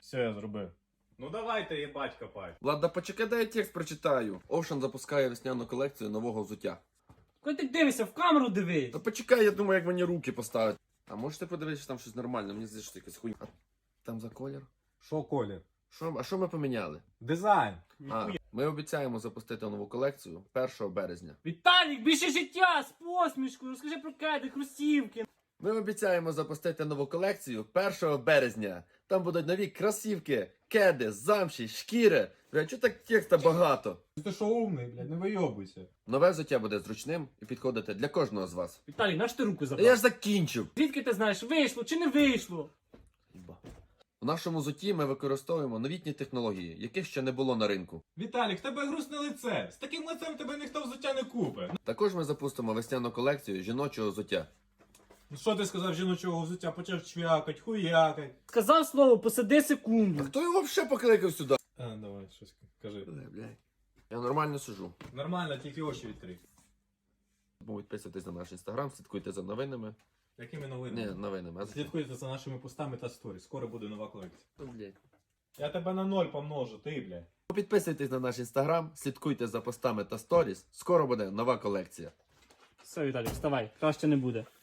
Все, я зробив. Ну давайте, їбать, копай. Влада, почекай, дай я текст прочитаю. Ocean запускає весняну колекцію нового взуття. Коли ти дивишся, в камеру дивись. Та почекай, я думаю, як мені руки поставити. А можете подивитися, там щось нормальне? Мені здається, що якась хуйня. А там за колір? Що, колір? А що ми поміняли? Дизайн. Ми обіцяємо запустити нову колекцію 1 березня. Віталік, більше життя з посмішкою, розкажи про кеди, хрустівки. Ми обіцяємо запустити нову колекцію 1 березня. Там будуть нові кросівки, кеди, замші, шкіри. Бля, чого так текста багато? Ти що умний, блядь, не вийобуйся. Нове взуття буде зручним і підходити для кожного з вас. Віталій, наш ти руку Та забрав? я ж закінчив. Звідки ти знаєш, вийшло чи не вийшло? У нашому взутті ми використовуємо новітні технології, яких ще не було на ринку. Віталік, в тебе грустне лице. З таким лицем тебе ніхто взуття не купить. Також ми запустимо весняну колекцію жіночого взуття. Ну що ти сказав жіночого взуття? Почав чвякать, хуякать. Сказав слово, посиди А секунду. хто його взагалі покликав сюди? А, давай, щось кажи. Я нормально сижу. Нормально, тільки очі відкрий. Підписуйтесь на наш інстаграм, слідкуйте за новинами. Якими Ні, новинами? новинами. Слідкуйте за нашими постами та сторі. Скоро буде нова колекція. Блядь. Я тебе на 0 помножу, ти, блядь. Підписуйтесь на наш інстаграм, слідкуйте за постами та сторіс. Скоро буде нова колекція. Все, Віталік, вставай, краще не буде.